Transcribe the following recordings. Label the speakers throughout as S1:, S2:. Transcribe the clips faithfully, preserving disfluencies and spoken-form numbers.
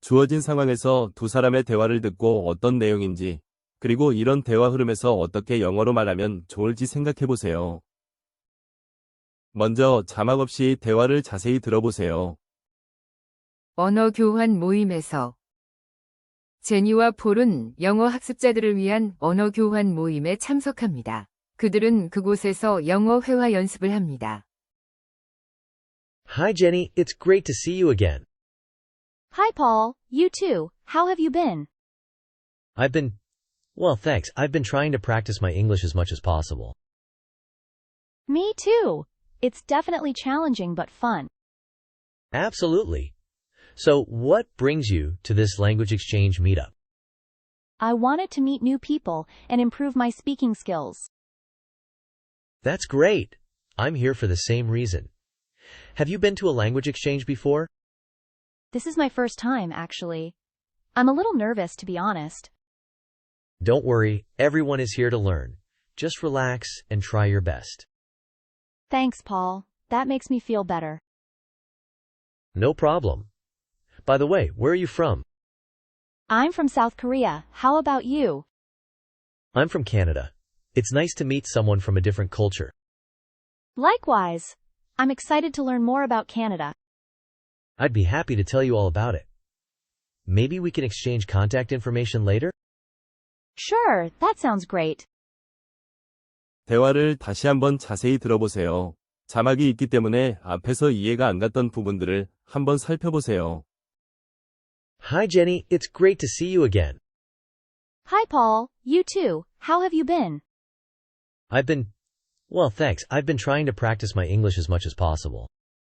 S1: 주어진 상황에서 두 사람의 대화를 듣고 어떤 내용인지, 그리고 이런 대화 흐름에서 어떻게 영어로 말하면 좋을지 생각해 보세요. 먼저 자막 없이 대화를 자세히 들어보세요.
S2: 언어 교환 모임에서 제니와 폴은 영어 학습자들을 위한 언어 교환 모임에 참석합니다. 그들은 그곳에서 영어 회화 연습을 합니다.
S3: Hi Jenny, it's great to see you again.
S4: Hi Paul, you too, how have you been?
S3: I've been, well thanks, I've been trying to practice my English as much as possible.
S4: Me too. It's definitely challenging but fun.
S3: Absolutely. So, what brings you to this language exchange meetup?
S4: I wanted to meet new people and improve my speaking skills.
S3: That's great. I'm here for the same reason. Have you been to a language exchange before?
S4: This is my first time, actually. I'm a little nervous, to be honest.
S3: Don't worry, everyone is here to learn. Just relax and try your best.
S4: Thanks, Paul. That makes me feel better.
S3: No problem. By the way, where are you from?
S4: I'm from South Korea. How about you?
S3: I'm from Canada. It's nice to meet someone from a different culture.
S4: Likewise. I'm excited to learn more about Canada.
S3: I'd be happy to tell you all about it. Maybe we can exchange contact information later?
S4: Sure, that sounds great.
S1: 대화를 다시 한번 자세히 들어보세요. 자막이 있기 때문에 앞에서 이해가 안 갔던 부분들을 한번 살펴보세요.
S3: Hi Jenny, it's great to see you again.
S4: Hi Paul, you too, how have you been?
S3: I've been, well thanks, I've been trying to practice my English as much as possible.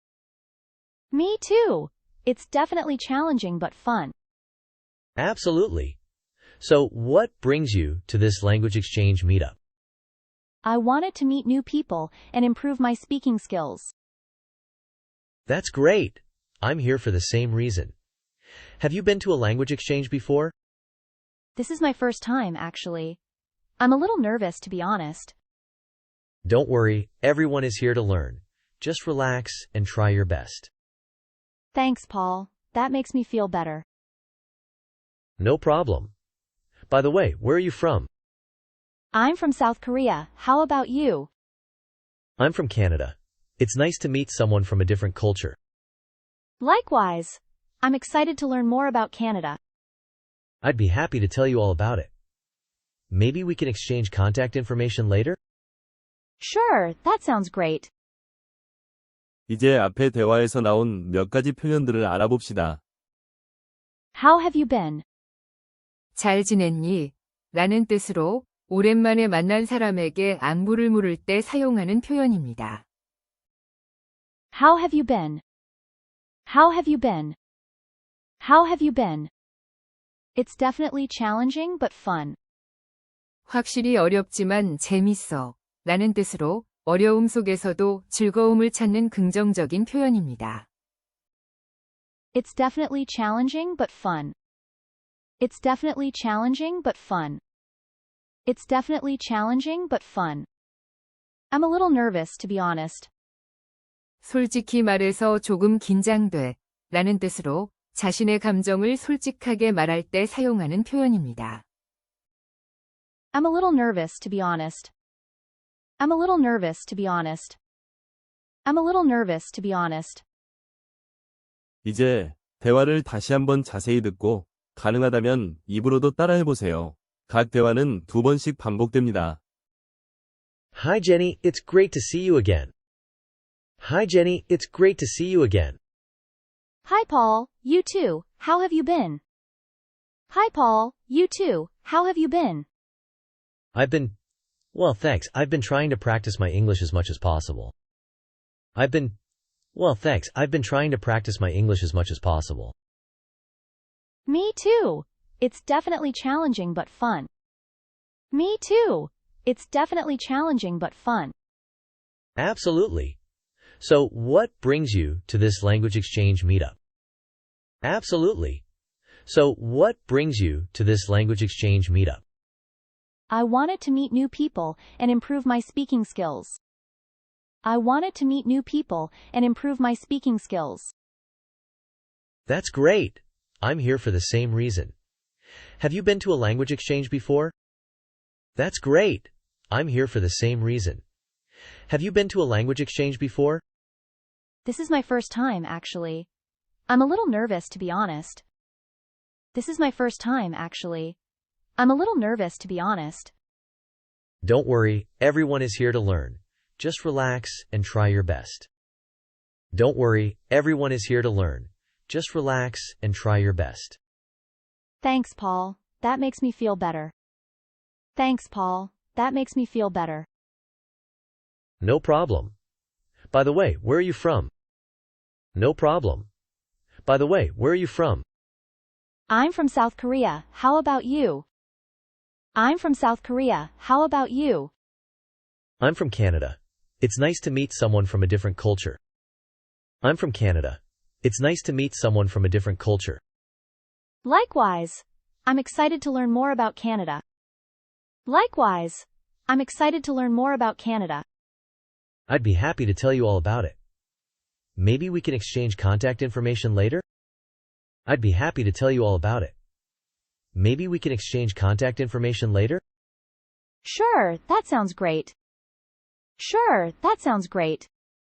S4: Me too. It's definitely challenging but fun.
S3: Absolutely. So, what brings you to this language exchange meetup?
S4: I wanted to meet new people and improve my speaking skills.
S3: That's great. I'm here for the same reason. Have you been to a language exchange before?
S4: This is my first time, actually. I'm a little nervous, to be honest.
S3: Don't worry, everyone is here to learn. Just relax and try your best.
S4: Thanks, Paul. That makes me feel better.
S3: No problem. By the way, where are you from?
S4: I'm from South Korea. How about you?
S3: I'm from Canada. It's nice to meet someone from a different culture.
S4: Likewise. I'm excited to learn more about Canada.
S3: I'd be happy to tell you all about it. Maybe we can exchange contact information later?
S4: Sure, that sounds great.
S1: 이제 앞의 대화에서 나온 몇 가지 표현들을 알아봅시다.
S4: How have you been?
S2: 잘 지냈니? 라는 뜻으로 오랜만에 만난 사람에게 안부를 물을 때 사용하는 표현입니다.
S4: How have you been? How have you been? How have you been? It's definitely challenging but fun.
S2: 확실히 어렵지만 재밌어. 라는 뜻으로 어려움 속에서도 즐거움을 찾는 긍정적인 표현입니다.
S4: It's definitely challenging but fun. It's definitely challenging but fun. It's definitely challenging but fun. I'm a little nervous, to be honest.
S2: 솔직히 말해서 조금 긴장돼. 라는 뜻으로 자신의 감정을 솔직하게 말할 때 사용하는 표현입니다.
S4: I'm a little nervous, to be honest. I'm a little nervous, to be honest. I'm a little nervous, to be honest.
S1: 이제 대화를 다시 한번 자세히 듣고 가능하다면 입으로도 따라해보세요. 각 대화는 두 번씩 반복됩니다.
S3: Hi Jenny, it's great to see you again. Hi Jenny, it's great to see you again.
S4: Hi Paul, you too, how have you been? Hi Paul, you too, how have you been?
S3: I've been, well thanks, I've been trying to practice my English as much as possible. I've been, well thanks, I've been trying to practice my English as much as possible.
S4: Me too. It's definitely challenging but fun. Me too. It's definitely challenging but fun.
S3: Absolutely. So, what brings you to this language exchange meetup? Absolutely. So, what brings you to this language exchange meetup?
S4: I wanted to meet new people and improve my speaking skills. I wanted to meet new people and improve my speaking skills.
S3: That's great. I'm here for the same reason. Have you been to a language exchange before? That's great. I'm here for the same reason. Have you been to a language exchange before?
S4: This is my first time, actually. I'm a little nervous, to be honest. This is my first time, actually. I'm a little nervous, to be honest.
S3: Don't worry, everyone is here to learn. Just relax and try your best. Don't worry, everyone is here to learn. Just relax and try your best.
S4: Thanks, Paul. That makes me feel better. Thanks, Paul. That makes me feel better.
S3: No problem. By the way, where are you from? No problem. By the way, where are you from?
S4: I'm from South Korea. How about you? I'm from South Korea. How about you?
S3: I'm from Canada. It's nice to meet someone from a different culture. I'm from Canada. It's nice to meet someone from a different culture.
S4: Likewise. I'm excited to learn more about Canada. Likewise. I'm excited to learn more about Canada.
S3: I'd be happy to tell you all about it. Maybe we can exchange contact information later? I'd be happy to tell you all about it. Maybe we can exchange contact information later?
S4: Sure, that sounds great. Sure, that sounds great.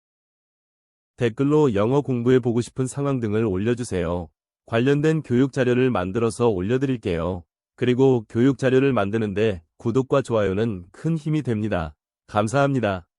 S1: 댓글로 영어 공부해 보고 싶은 상황 등을 올려주세요. 관련된 교육 자료를 만들어서 올려드릴게요. 그리고 교육 자료를 만드는데 구독과 좋아요는 큰 힘이 됩니다. 감사합니다.